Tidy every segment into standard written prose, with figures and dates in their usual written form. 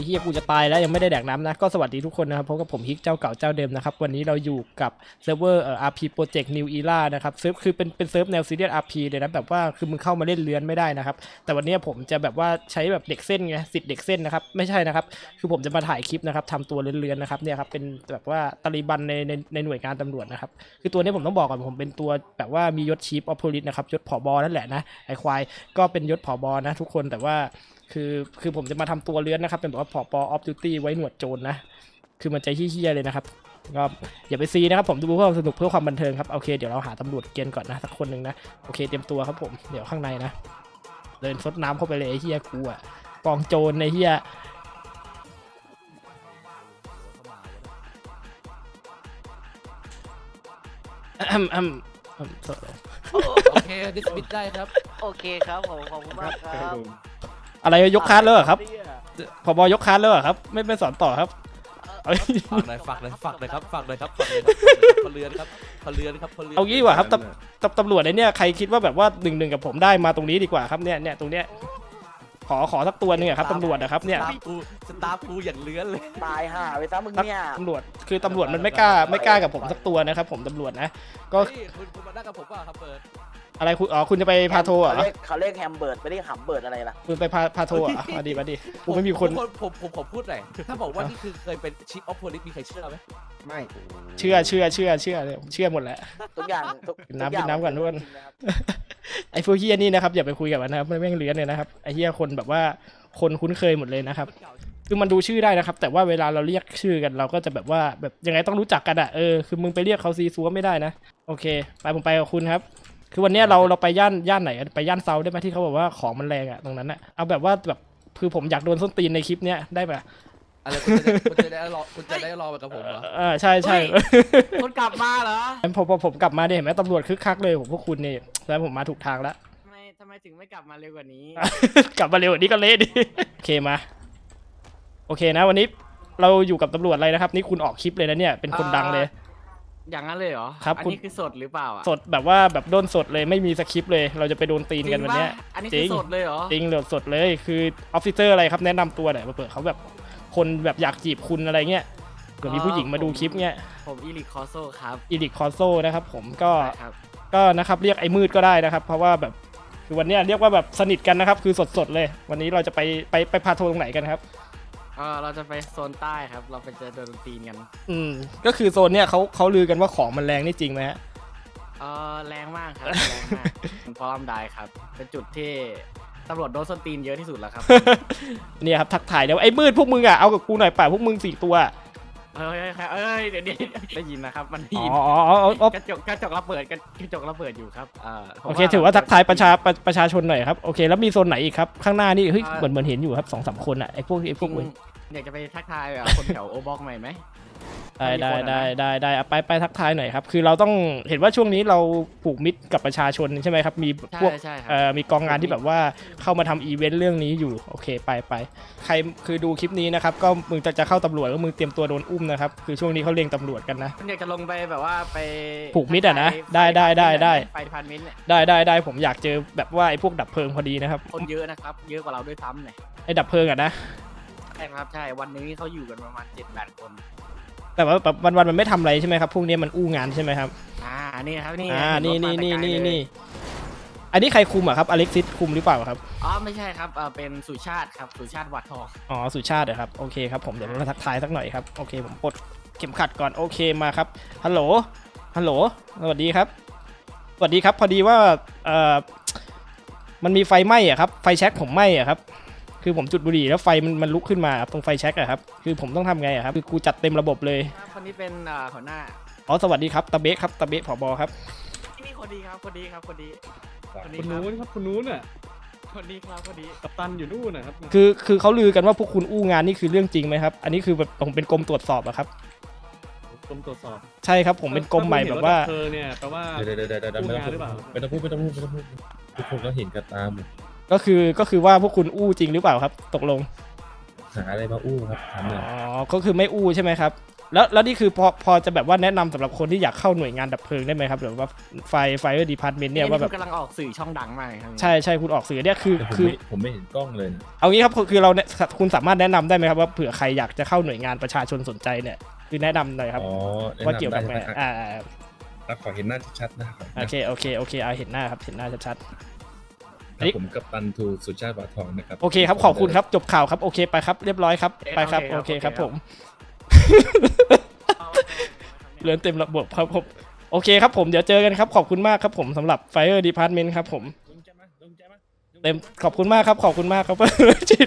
อ้เหี้ยกูจะตายแล้วยังไม่ได้แดกน้ำนะก็สวัสดีทุกคนนะครับพบกับผมฮิกเจ้าเก่าเจ้าเดิมนะครับวันนี้เราอยู่กับเซิร์ฟเวอร์RP Project New Era นะครับเซิร์ฟคือเป็นเซิร์ฟแนวซีเรียส RP เลยนะแบบว่าคือมึงเข้ามาเล่นเลื้อนไม่ได้นะครับแต่วันนี้ผมจะแบบว่าใช้แบบเด็กเส้นไงสิทธิ์เด็กเส้นนะครับไม่ใช่นะครับคือผมจะมาถ่ายคลิปนะครับทำตัวเลื้อนๆนะครับเนี่ยครับเป็นแบบว่าตาลีบันในหน่วยงานตำรวจนะครับคือตัวนี้ผมต้องบอกก่อนผมเป็นตัวแบบว่ามียศชีฟออฟโพลิสนะครับยศผบนั่นแหละนะไอควายก็เป็นยศผบนะทุกคนแต่ว่าคือผมจะมาทำตัวเลื้อนนะครับเป็นแบบว่าผบออฟดิวตี้ไว้หนวดโจรนะคือมันใจเฮี้ยๆเลยนะครับก็อย่าไปซีนะครับผมดูเพื่อความสนุกเพื่อความบันเทิงครับโอเคเดี๋ยวเราหาตำรวจเกณฑ์ก่อนนะสักคนหนึ่งนะโอเคเตรียมตัวครับผมเดี๋ยวข้างในนะเดินซดน้ำเข้าไปเลยไอ้เฮี้ยกูอะกองโจรในเฮี้ยโอเคดิสมิสได้ครับโอเคครับผมขอบคุณมากครับอะไรยกคาร์ดแล้วเหรอครับผบยกคาร์ดแล้วเหรอครับไม่สอนต่อครับฝากหน่อยครับพลเรือนครับเอางี้ดีกว่าครับตำรวจเนี่ยใครคิดว่าแบบว่า1-1กับผมได้มาตรงนี้ดีกว่าครับเนี่ยตรงเนี้ยขอสักตัวนึงครับตำรวจนะครับเนี่ยสตาร์กูอย่างเลื้อนเลยตายห่าไปซะมึงเนี่ยตำรวจคือตำรวจมันไม่กล้ากับผมสักตัวนะครับผมตำรวจนะก็คุณมาได้กับผมว่าครับเปิดอะไรคุณจะไปพาโทเหรอเขาเรียกแฮมเบิร์ดไม่ได้หำเบิร์ดอะไรล่ะคุณไปพาโทเหรอมาดีผมไม่มีคนผมขอพูดหน่อยถ้าบอกว่านี่คือเคยเป็นชิปออฟโพลิสมีใครเชื่อไหมไม่เชื่อเลยผมเชื่อหมดแหละทุกอย่างกินน้ำก่อนทุกคนไอ้พวกเฮียนี่นะครับอย่าไปคุยกับมันนะครับไม่แม่งเลื้อนเลยนะครับไอ้เฮียคนแบบว่าคนคุ้นเคยหมดเลยนะครับคือมันดูชื่อได้นะครับแต่ว่าเวลาเราเรียกชื่อกันเราก็จะแบบว่าแบบยังไงต้องรู้จักกันอ่ะคือมึงไปเรียกเขาซีซัวไม่ได้นะโอเคผมไปกับคุณครับคือวันนี้เราไปย่านไหนไปย่านเซาได้ไหมที่เขาบอกว่าของมันแรงอ่ะตรงนั้นอ่ะเอาแบบว่าแบบคือผมอยากโดนส้นตีนในคลิปเนี้ยได้ปะอะไรคุณจะได้รอไปกับผมเหรอใช่คุณกลับมาเหรอผมกลับมาเนี่ยเห็นไหมตำรวจคึกคักเลยผมพวกคุณนี่แล้วผมมาถูกทางแล้วทำไมถึงไม่กลับมาเร็วกว่านี้กลับมาเร็วกว่านี้ก็เละดิโอเคมาโอเคนะวันนี้เราอยู่กับตำรวจอะไรนะครับนี่คุณออกคลิปเลยนะเนี่ยเป็นคนดังเลยอย่างนั้นเลยเหรอครับอันนี้คือสดหรือเปล่าสดแบบว่าแบบโดนสดเลยไม่มีสคริปต์เลยเราจะไปโดนตีนกันวันนี้อันนี้คือสดเลยเหรอจริงเลยสดเลยคือออฟฟิเซอร์อะไรครับแนะนำตัวหน่อยมาเปิดเขาแบบคนแบบอยากจีบคุณอะไรเงี้ยเผื่อมีผู้หญิงมาดูคลิปเงี้ยผมอีลิคคอโซครับอีลิคคอโซนะครับผมก็นะครับเรียกไอ้มืดก็ได้นะครับเพราะว่าแบบคือวันนี้เรียกว่าแบบสนิทกันนะครับคือสดเลยวันนี้เราจะไปพาโทรตรงไหนกันครับเราจะไปโซนใต้ครับเราไปเจอโดนตีนกันก็คือโซนเนี้ยเขาลือกันว่าของมันแรงนี่จริงไหมฮะแรงมากครับแรงมากเพราะลำไดครับเป็นจุดที่ตำรวจโดนส้นตีนเยอะที่สุดแล้วครับเนี่ยครับทักถ่ายเดี๋ยวไอ้มืดพวกมึงอ่ะเอากับกูหน่อยป่ะพวกมึง4ตัวเดี๋ยวได้ยินนะครับมันได้ยินกระจกระเบิดอยู่ครับโอเคถือว่าทักทายประชาชนหน่อยครับโอเคแล้วมีโซนไหนอีกครับข้างหน้านี่เฮ้ยเหมือนเห็นอยู่ครับ2-3คนอ่ะไอ้พวกมึงอยากจะไปทักทายคนแถวโอบ็อกใหม่ไหมได้ไปทักทายหน่อยครับคือเราต้องเห็นว่าช่วงนี้เราผูกมิตรกับประชาชนใช่ไหมครับมีพวกมีกองงานที่แบบว่าเข้ามาทำอีเวนต์เรื่องนี้อยู่โอเคไปใครคือดูคลิปนี้นะครับก็มึงจะเข้าตำรวจก็มึงเตรียมตัวโดนอุ้มนะครับคือช่วงนี้เขาเรียงตำรวจกันนะอยากจะลงไปแบบว่าไปผูกมิตรอ่ะนะได้ไปพันมิตรเนี่ยได้ผมอยากเจอแบบว่าไอ้พวกดับเพลิงพอดีนะครับคนเยอะนะครับเยอะกว่าเราด้วยซ้ำเนี่ยไอ้ดับเพลิงอ่ะนะใช่ครับใช่วันนี้เขาอยู่กันประมาณ7-8 คนแต่ว่าแบบวันมันไม่ทำอะไรใช่ไหมครับพวกนี้มันอู้งานใช่ไหมครับนี่ครับนี่อันนี้ใครคุมอ่ะครับอเล็กซิสคุมหรือเปล่าครับไม่ใช่ครับเป็นสุชาติครับสุชาติวัดทองสุชาติเหรอครับโอเคครับผมเดี๋ยวเราทักทายสักหน่อยครับโอเคผมปลดเข็มขัดก่อนโอเคมาครับฮัลโหลสวัสดีครับพอดีว่ามันมีไฟไหม้อ่ะครับไฟแช็กผมไหม้อ่ะครับคือผมจุดบุหรี่แล้วไฟมันลุกขึ้นมาตรงไฟแช็กอะครับคือผมต้องทำไงอะครับคือกูจัดเต็มระบบเลยคนนี้เป็นหัวหน้าสวัสดีครับตาเบะครับตาเบะผบครับนี่คนดีครับคนนู้นครับคนนู้นน่ะคนดีครับคนดีกัปตันอยู่นู่นนะครับคือเขาลือกันว่าพวกคุณอู้งานนี่คือเรื่องจริงไหมครับอันนี้คือแบบผมเป็นกรมตรวจสอบอะครับกรมตรวจสอบใช่ครับผมเป็นกรมใหม่แบบว่าเนี่ยแปลว่าเดี๋ยวไม่ต้องพูดทุกคนก็เห็นกันตามก็คือว่าพวกคุณอู้จริงหรือเปล่าครับตกลงหาอะไรมาอู้ครับถามหน่อยก็คือไม่อู้ใช่ไหมครับแล้วนี่คือพอจะแบบว่าแนะนำสำหรับคนที่อยากเข้าหน่วยงานดับเพลิงได้ไหมครับหรือว่าไฟดีพาร์ตเมนต์เนี่ยว่าแบบกำลังออกสื่อช่องดังมากครับใช่คุณออกสื่อเนี่ยคือแต่ผมไม่เห็นกล้องเลยนะเอางี้ครับคือเราเนี่ยคุณสามารถแนะนำได้ไหมครับว่าเผื่อใครอยากจะเข้าหน่วยงานประชาชนสนใจเนี่ยคือแนะนำหน่อยครับอ๋อแนะว่าเกี่ยวนำกับได้ไงใช่ไหม แล้วขอเห็นหน้าชัดๆนะขอเห็นหโอน้าเคเอาเห็นหน้าครับเห็นหน้าชัดครับผมกัปตันทูสุชาติวาทองนะครับๆโอเคครับขอบคุณครับจบข่าวครับโอเคไปครับเรียบร้อยครับไปครับโอเคครับผมเรือนเต็มระบบครับผมโอเคครับผมเดี๋ยวเจอกันครับขอบคุณมากครับผมสำหรับ Fire Department ครับผมเต็มขอบคุณมากครับ จิต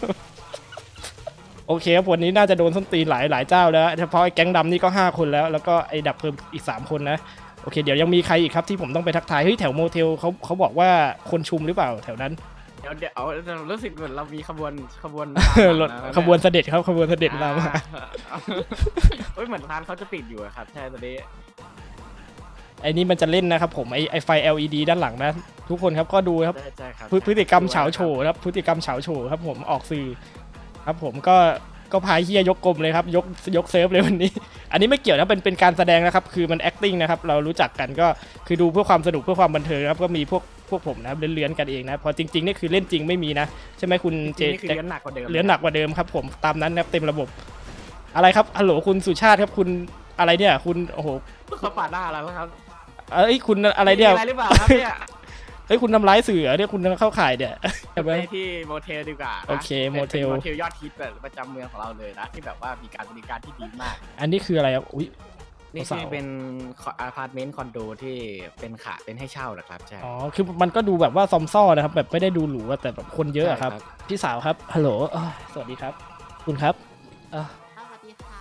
โอเคครับวันนี้น่าจะโดนส้นตีนหลายเจ้าแล้วเฉพาะไอ้แก๊งดำนี่ก็5คนแล้วก็ไอ้ดับเพลิงอีก3คนนะโอเคเดี๋ยวยังมีใครอีกครับที่ผมต้องไปทักทายเฮ้ยแถวโมเทลเขาบอกว่าคนชุมหรือเปล่าแถวนั้นเดี๋ยวรู้สึกเหมือนเรามีขบวนรถขบวนเสด็จครับขบวนเสด็จมาเฮ้ยเหมือนร้านเขาจะปิดอยู่อะครับใช่ตอนนี้ไอ้นี่มันจะเล่นนะครับผมไอ้ไฟ LED ด้านหลังนะทุกคนครับก็ดูครับใช่ครับพฤติกรรมเฉาโฉครับพฤติกรรมเฉาโฉครับผมออกสื่อครับผมก็พายเฮียยกกลมเลยครับยกเซิร์ฟเลยวันนี้ อันนี้ไม่เกี่ยวนะเป็นการแสดงนะครับคือมัน acting นะครับเรารู้จักกันก็คือดูเพื่อความสนุกเพื่อความบันเทิงครับก็มีพวกผมนะครับเลื้อนๆกันเองนะพอจริงๆนี่คือเล่นจริงไม่มีนะใช่ไหมคุณเจนี่คือเลี้ยนหนักกว่าเดิมเลื้อนหนักกว่าเดิมครับผมตามนั้นนะครับเต็มระบบอะไรครับฮัลโหลคุณสุชาติครับคุณอะไรเนี่ยคุณโอ้โหเขาปาดหน้าเราแล้วครับเอ้ยคุณอะไรเนี่ยมีอะไรหรือเปล่าครับเนี่ยเอ้ยคุณทำร้ายสื่อเหรอเนี่ยคุณเข้าข่ายเนี่ยไปที่โมเทลดีกว่านะโอเคโมเทลป็นโมเทลยอดฮิตประจำเมืองของเราเลยนะที่แบบว่ามีการบริการที่ดีมากอันนี้คืออะไรครับอุ้ยนี่สาคืวอเป็นอพาร์ตเมนต์คอนโดที่เป็นให้เช่านะครับใช่อ๋อคือมันก็ดูแบบว่าซอมซ่อนะครับแบบไม่ได้ดูหรูอะแต่แบบคนเยอะอะครับใช่ครับพี่สาวครับฮัลโหลสวัสดีครับ คุณครับเอ่อสวัสดีค่ะ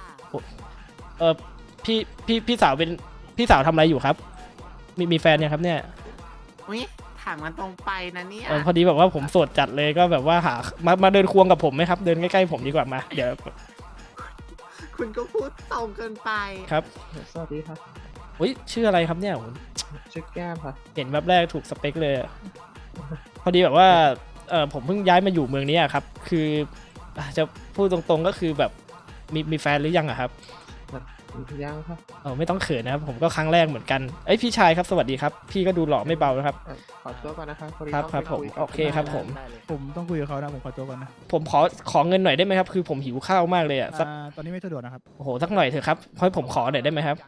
พี่สาวเป็นพี่สาวทำอะไรอยู่ครับมีแฟนยังครับเนี่ยอุ้ยถามมันตรงไปนะเนี่ยพอดีแบบว่าผมโสดจัดเลยก็แบบว่าหามาเดินควงกับผมไหมครับเดินใกล้ๆผมดีกว่ามาเดี๋ยวคุณก็พูดตรงเกินไปครับสวัสดีครับอุ้ยชื่ออะไรครับเนี่ยโหชื่อแก้มครับเห็นแบบแรกถูกสเปคเลยอะพอดีแบบว่าผมเพิ่งย้ายมาอยู่เมืองนี้อะครับ คือจะพูดตรงๆก็คือแบบมีแฟนหรือยังอะครับยังครับไม่ต้องเขินนะครับผมก็ครั้งแรกเหมือนกันเอ้ยพี่ชายครับสวัสดีครับพี่ก็ดูหล่อไม่เบานะครับขอตัวก่อนนะครับพอดีครับต้องครับไปผมยกับโอเคครับผมได้เลยผมต้องคุยกับเขานะผมขอตัวก่อนนะผมขอเงินหน่อยได้ไหมครับคือผมหิวข้าวมากเลยอะสักตอนนี้ไม่สะดวกนะครับโอ้โหสักหน่อยเถอะครับให้ผมขอหน่อยได้ไหมครับ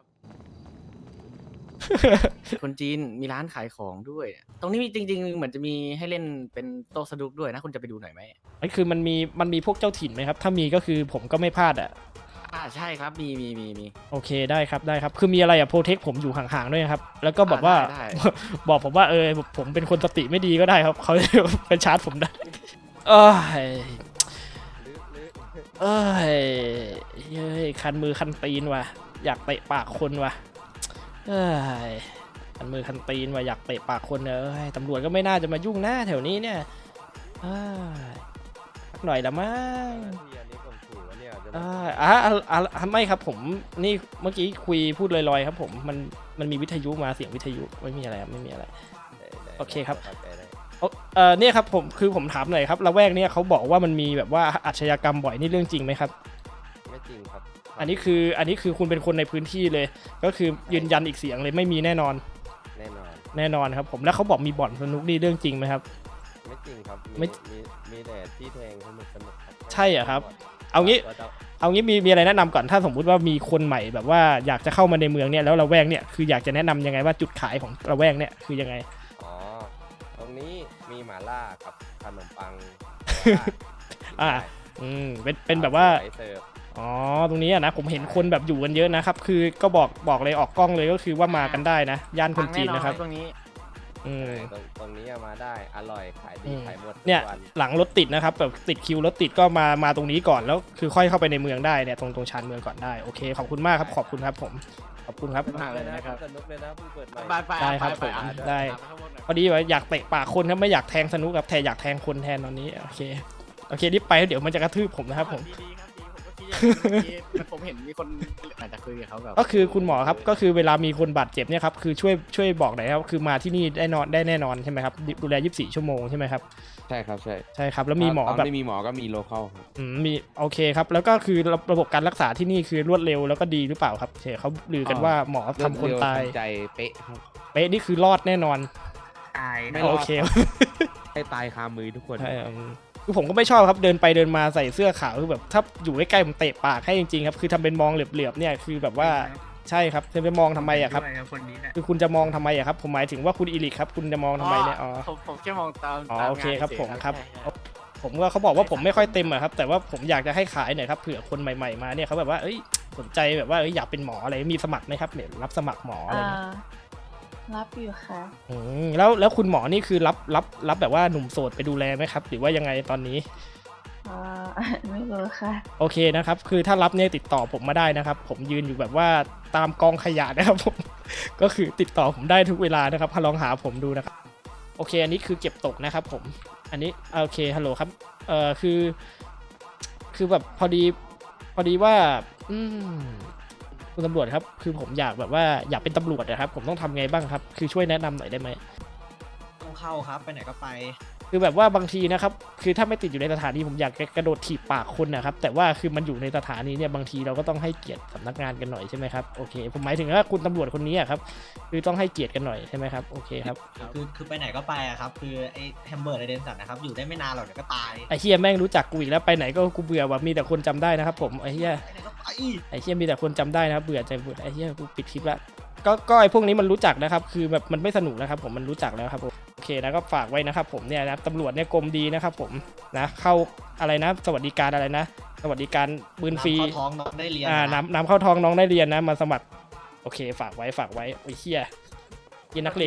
คนจีนมีร้านขายของด้วย ตรงนี้มีจริงๆเหมือนจะมีให้เล่นเป็นโต๊ะสนุกด้วยนะคุณจะไปดูหน่อยไหมไอ้คือมันมีพวกเจ้าถิ่นไหมครับถ้ามีก็คือผมก็ไม่พลาดอะใช่ครับมีโอเคได้ครับคือมีอะไรอะโปรเทคผมอยู่ห่างๆด้วยนะครับแล้วก็บอกว่าได้บอกผมว่าผมเป็นคนสติไม่ดีก็ได้ครับเขาจะไปชาร์จผมได้เอ้ยคันมือคันตีนว่ะอยากเตะปากคนว่ะคันมือคันตีนว่ะอยากเตะปากคนตำรวจก็ไม่น่าจะมายุ่งหน้าแถวนี้เนี่ยสักหน่อยละมั้งไม่ครับผมนี่เมื่อกี้คุยพูดลอยๆครับผมมันมีวิทยุมาเสียงวิทยุไม่มีอะไรครับไม่มีอะไรโอเคครับเนี่ยครับผมถามหน่อยครับละแวกเนี่ยเขาบอกว่ามันมีแบบว่าอาชญากรรมบ่อยนี่เรื่องจริงไหมครับไม่จริงครับอันนี้คือคุณเป็นคนในพื้นที่เลย ก็คือยืนยันอีกเสียงเลยไม่มีแน่นอนแน่นอนแน่นอนครับผมแล้วเขาบอกมีบ่อนสนุกนี่เรื่องจริงไหมครับไม่จริงครับไม่มีแต่ที่แทงสนุกครับใช่เหรอครับ เอางี้มีอะไรแนะนำก่อนถ้าสมมุติว่ามีคนใหม่แบบว่าอยากจะเข้ามาในเมืองเนี่ยแล้วละแวกเนี่ยคืออยากจะแนะนำยังไงว่าจุดขายของละแวกเนี่ยคือยังไงอ๋อ ตรงนี้มีหม่าล่ากับขนมปังเป็นแบบว่าสยเสิร์ฟอ๋อตรงนี้อะนะผมเห็นคนแบบอยู่กันเยอะนะครับคือก็บอกเลยออกกล้องเลยก็คือว่ามากันได้นะย่านคนจีนนะครับตรงนี้ตรงนี้มาได้อร่อยขายดีขายหมดทุกเนี่ยวันหลังรถติดนะครับแบบติดคิวรถติดก็มาตรงนี้ก่อนแล้วคือค่อยเข้าไปในเมืองได้เนี่ยตรงชานเมืองก่อนได้โอเคขอบคุณมากครับขอบคุณครับผมขอบคุณครับมากเลยนะครับสนุกเลยนะเพิ่งเปิดใหม่ได้ครับผมได้ พอดีว่าอยากเตะปากคนครับไม่อยากแทงสนุกครับแทนอยากแทงคนแทนตอนนี้โอเครีบไปเดี๋ยวมันจะกระทืบผมนะครับผมดีครับดีผมก็คิดอย่างเมื่อกี้ผมเห็นมีคนอาจจะคุยกับเขาแบบก็คือคุณหมอครับก็คือเวลามีคนบาดเจ็บเนี่ยครับคือช่วยบอกหน่อยครับคือมาที่นี่ได้แน่นอนใช่ไหมครับดูแล24 ชั่วโมงใช่ไหมครับใช่ครับใช่ใช่ครับแล้วมีหมอตอนแบบไม่มีหมอก็มีโลเคอลครับมีโอเคครับแล้วก็คือระบบการรักษาที่นี่คือรวดเร็วแล้วก็ดีหรือเปล่าครับเขาลือกันว่าหมอทำคนตายเร็วทันใจเป๊ะครับเป๊ะนี่คือรอดแน่นอนตายไม่รอดโอเคให้ตายคามือทุกคนใช่คือผมก็ไม่ชอบครับเดินไปเดินมาใส่เสื้อขาวคือแบบถ้าอยู่ใกล้ๆผมเตะปากให้จริงๆครับคือทำเป็นมองเหลือบๆเนี่ยคือแบบว่าใช่ครับจะไปมองทำไมอะครับคือคุณจะมองทำไมอะครับผมหมายถึงว่าคุณอีลิกครับคุณจะมองทำไมเนี่ยอ๋อผมแค่มองตามอ๋อตามโอเคครับงานผมฉยๆครับใช่ผมว่าเขาบอกว่าผมไม่ค่อยเต็มอะครับแต่ว่าผมอยากจะให้ขายหน่อยครับเผื่อคนใหม่ๆมาเนี่ยเขาแบบว่าเอ้ยสนใจแบบว่าเอ้ยอยากเป็นหมออะไรมีสมัครไหมครับเนี่ยรับสมัครหมออะไรเงี้ยรับอยู่ค่ะแล้วคุณหมอนี่คือรับแบบว่าหนุ่มโสดไปดูแลไหมครับหรือว่ายังไงตอนนี้อ่า ไม่รู้ค่ะโอเคนะครับคือถ้ารับเนี่ยติดต่อผมมาได้นะครับผมยืนอยู่แบบว่าตามกองขยะนะครับผม ก็คือติดต่อผมได้ทุกเวลานะครับลองหาผมดูนะครับโอเคอันนี้คือเก็บตกนะครับผมอันนี้โอเคฮัลโหลครับคือแบบพอดีว่าคุณตำรวจครับคือผมอยากแบบว่าอยากเป็นตำรวจนะครับผมต้องทำไงบ้างครับคือช่วยแนะนำหน่อยได้ไหมต้องเข้าครับ ไปไหนก็ไปคือแบบว่าบางทีนะครับคือถ้าไม่ติดอยู่ในสถานีผมอยากจะกระโดดถีบปากคนนะครับแต่ว่าคือมันอยู่ในสถานีเนี่ยบางทีเราก็ต้องให้เกียรติสำนักงานกันหน่อยใช่ไหมครับโอเคผมหมายถึงว่าคุณตำรวจคนนี้อะครับคือต้องให้เกียรติกันหน่อยใช่ไหมครับโอเคครับคือไปไหนก็ไปอะครับ คือไอ้แฮมเบอร์ในเดนสันนะครับ อยู่ได้ไม่นานหรอกเดี๋ยวก็ตายไอ้เฮียแม่งรู้จักกูอีกแล้วไปไหนก็กูเบื่อว่ะมีแต่คนจำได้นะครับผมไอ้เฮียไปไหนก็ไปไอ้เฮียมีแต่คนจำได้นะครับเบื่อใจเบื่อไอ้เฮียกูปิดคลิปละก็ไอ้พวกนี้มันรู้จักนะครับคือแบบมันไม่สนุกนะครับผมมันรู้จักแล้วครับผมโอเคนะก็ฝากไว้นะครับผมเนี่ยนะตำรวจเนี่ยกรมดีนะครับผมนะเข้าอะไรนะสวัสดิการอะไรนะสวัสดิการปืนฟรีน้ำเข้าท้องน้องได้เรียนน้ำเข้าท้องน้องได้เรียนนะมาสมัครโอเคฝากไว้โอ้ยเฮียยินนักเล